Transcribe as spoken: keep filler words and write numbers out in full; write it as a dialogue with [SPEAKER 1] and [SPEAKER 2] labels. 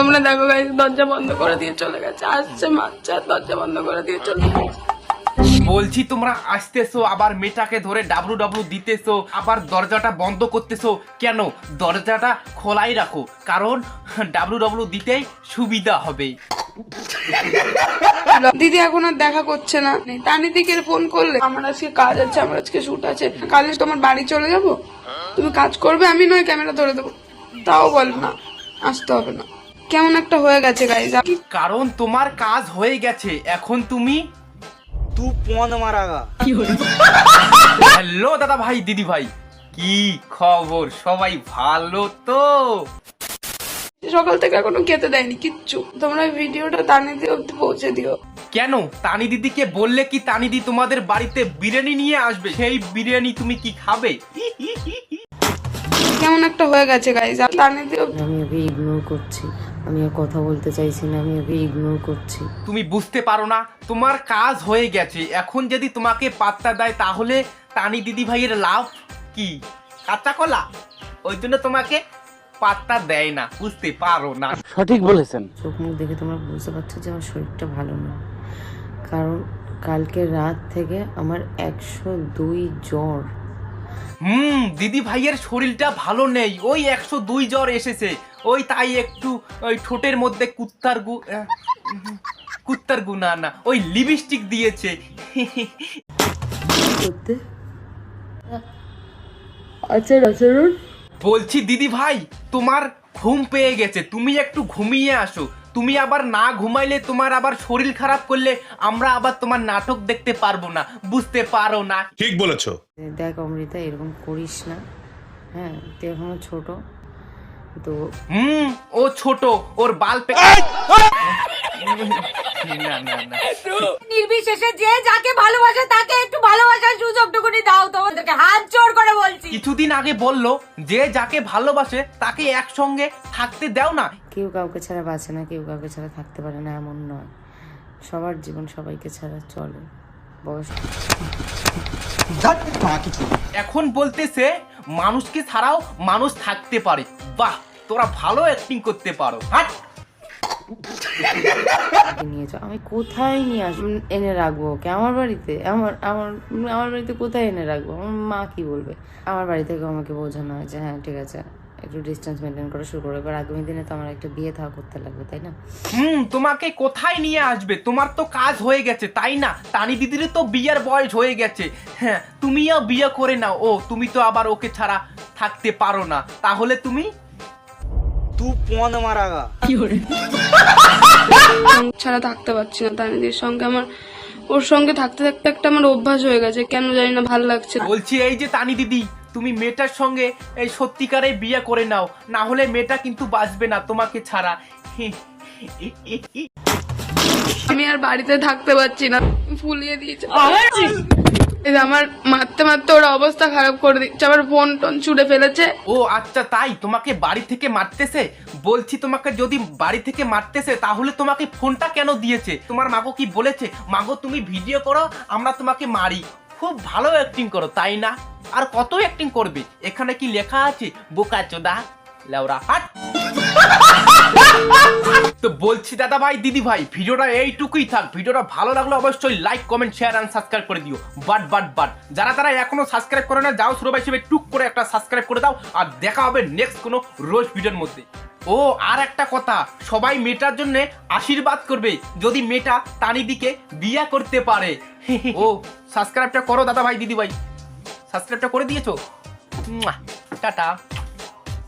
[SPEAKER 1] তোমরা দেখো গাইস, দরজা বন্ধ করে দিয়ে চলে গেছে, আসছে মারছে আর দরজা বন্ধ করে দিয়ে চলে গেছে।
[SPEAKER 2] বলছি তোমরা আসতেছো আবার মেয়েটাকে ধরে ডাব্লু ডাব্লু দিতেছো, আবার দরজাটা বন্ধ করতেছো কেন? দরজাটা খোলাই রাখো, কারণ ডাব্লু ডাব্লু দিতেই সুবিধা হবে।
[SPEAKER 1] দিদি এখন আর দেখা করছে না, তানিদিকে ফোন করলে আমার আজকে কাজ আছে, আমার আজকে শুট আছে, কালে তোমার বাড়ি চলে যাব, তুমি কাজ করবে, আমি নয় ক্যামেরা ধরে দেবো, তাও বল না আসতে হবে না। কেমন একটা হয়ে গেছে গাইজ।
[SPEAKER 2] কারণ তোমার কাজ হয়ে গেছে, এখন তুমি
[SPEAKER 3] तू पौन मारागा।
[SPEAKER 2] হ্যালো দাদা ভাই দিদি ভাই, কি খবর? সবাই ভালো তো?
[SPEAKER 1] সকাল থেকে এখনো খেতে দেয়নি কিচ্ছু, তোমরা ভিডিওটা তানিদি অব্দি পৌঁছে দিও।
[SPEAKER 2] কেন? তানি দিদিকে বললে কি তানি দি তোমাদের বাড়িতে বিরিয়ানি নিয়ে আসবে, সেই বিরিয়ানি তুমি কি খাবে?
[SPEAKER 1] কেমন একটা হয়ে গেছে গাইজ। তানিদি
[SPEAKER 4] আমি ওকে ইগনোর করছি, আমি আর কথা বলতে চাইছি না, আমি ওকে ইগনোর করছি।
[SPEAKER 2] তুমি বুঝতে পারো না তোমার কাজ হয়ে গেছে, এখন যদি তোমাকে পাত্তা দেয় তাহলে তানি দিদি ভাইয়ের লাভ কি? কাঁচা কলা, ওই জন্য তোমাকে পাত্তা দেয় না, বুঝতে পারো না।
[SPEAKER 3] সঠিক বলেছেন।
[SPEAKER 4] চোখ মুখ দেখে তোমরা বুঝতে পারছো যে আমার শরীরটা ভালো না, কারণ কালকে রাত থেকে আমার একশো দুই জ্বর।
[SPEAKER 2] হুম, দিদি ভাইয়ের শরীরটা ভালো নেই, ওই একশো দুই জ্বর এসেছে, ওই তাই একটু ওই ঠোঁটের মধ্যে কুত্তার গু আহ, কুত্তার গু না না ওই লিপস্টিক দিয়েছে।
[SPEAKER 4] করতে আচার আচরণ
[SPEAKER 2] বলছি দিদি ভাই, তোমার ঘুম পেয়ে গেছে, তুমি একটু ঘুমিয়ে আসো। তুমি আবার না ঘুমাইলে, তোমার আবার শরীর খারাপ করলে আমরা আবার তোমার নাটক দেখতে পারবো না, বুঝতে পারো না?
[SPEAKER 5] ঠিক বলেছো।
[SPEAKER 4] দেখ অমৃতা, এরকম করিস না, হ্যাঁ তুই এখনো ছোট তো।
[SPEAKER 2] হুম, ও ছোট, ওর বাল পে না না না
[SPEAKER 6] নির্বিশেষে যে যাকে ভালোবাসে তাকে একটু ভালোবাসার সুযোগটুকুনি দাও, তোমাদেরকে হাত জোড় করে বলছি।
[SPEAKER 2] কিছুদিন আগে বললো যে যাকে ভালোবাসে তাকে একসঙ্গে থাকতে দাও না।
[SPEAKER 4] কেউ কাউকে ছাড়া বাঁচে না, কেউ কাউকে ছাড়া থাকতে পারে না, এমন নয়। সবার জীবন সবাইকে ছাড়া চলে। বয়স
[SPEAKER 2] এখন বলতেছে মানুষকে ছাড়াও মানুষ থাকতে পারে। বাহ, তোরা ভালো অ্যাক্টিং করতে পারো। হাট।
[SPEAKER 4] নিয়ে যাও, আমি কোথায় নিয়ে আসবো, এনে রাখবো ওকে আমার বাড়িতে? আমার আমার আমার বাড়িতে কোথায় এনে রাখবো? আমার মা কি বলবে? আমার বাড়ি থেকে আমাকে বোঝানো হয় যে হ্যাঁ ঠিক আছে, একটু ডিস্টেন্স মেনটেন করা শুরু করবো, এবার আগামী দিনে তো আমার একটা বিয়ে থাকা করতে লাগবে, তাই না?
[SPEAKER 2] হুম, তোমাকে কোথায় নিয়ে আসবে? তোমার তো কাজ হয়ে গেছে, তাই না? তানি দিদির তো বিয়ের বয়স হয়ে গেছে, হ্যাঁ তুমিও বিয়ে করে নাও। ও তুমি তো আবার ওকে ছাড়া থাকতে পারো না, তাহলে তুমি
[SPEAKER 3] तू पौन मारागा।
[SPEAKER 1] ছাড়া থাকতে পারছি না তানিদির সঙ্গে, আমার ওর সঙ্গে থাকতে থাকতে একটা আমার অভ্যাস হয়ে গেছে, কেন জানি না ভালো লাগছে।
[SPEAKER 2] বলছি এই যে তানি দিদি, তুমি মেয়েটার সঙ্গে এই সত্যিকারে বিয়ে করে নাও, না হলে মেয়েটা কিন্তু বাঁচবে না তোমাকে ছাড়া।
[SPEAKER 1] আমি আর বাড়িতে থাকতে পারছি না, ফুলিয়ে দিয়েছে এই আমার মারতে মারতে ওর অবস্থা খারাপ করে দিচ্ছে, আবার ফোন টোন ছুড়ে ফেলেছে।
[SPEAKER 2] ও আচ্ছা, তাই তোমাকে বাড়ি থেকে মারতেছে? বলছি তোমাকে যদি বাড়ি থেকে মারতেছে তাহলে তোমাকে ফোনটা কেন দিয়েছে? তোমার মাগো কি বলেছে, মাগো তুমি ভিডিও করো, আমরা তোমাকে মারি? খুব ভালো অ্যাক্টিং করো, তাই না? আর কত অ্যাক্টিং করবে? এখানে কি লেখা আছে বোকাচোদা লেওরা? হাট। তো বলছি দাদা ভাই দিদি ভাই, ভিডিওটা এইটুকুই থাক। ভিডিওটা ভালো লাগলে অবশ্যই like comment share and subscribe করে দিও। বাট বাট বাট যারা তারা এখনো সাবস্ক্রাইব করে না, যাও সুরবাই হিসেবে টুক করে একটা সাবস্ক্রাইব করে দাও, আর দেখা হবে নেক্সট কোনো রোজ ভিডিওর মধ্যে। ও আর একটা কথা, সবাই মেয়েটার জন্য আশীর্বাদ করবে, যদি মেয়েটা তানিদিকে বিয়ে করতে পারে। ও সাবস্ক্রাইবটা করো দাদা ভাই দিদি ভাই, সাবস্ক্রাইবটা করে দিয়েছো? টাটা।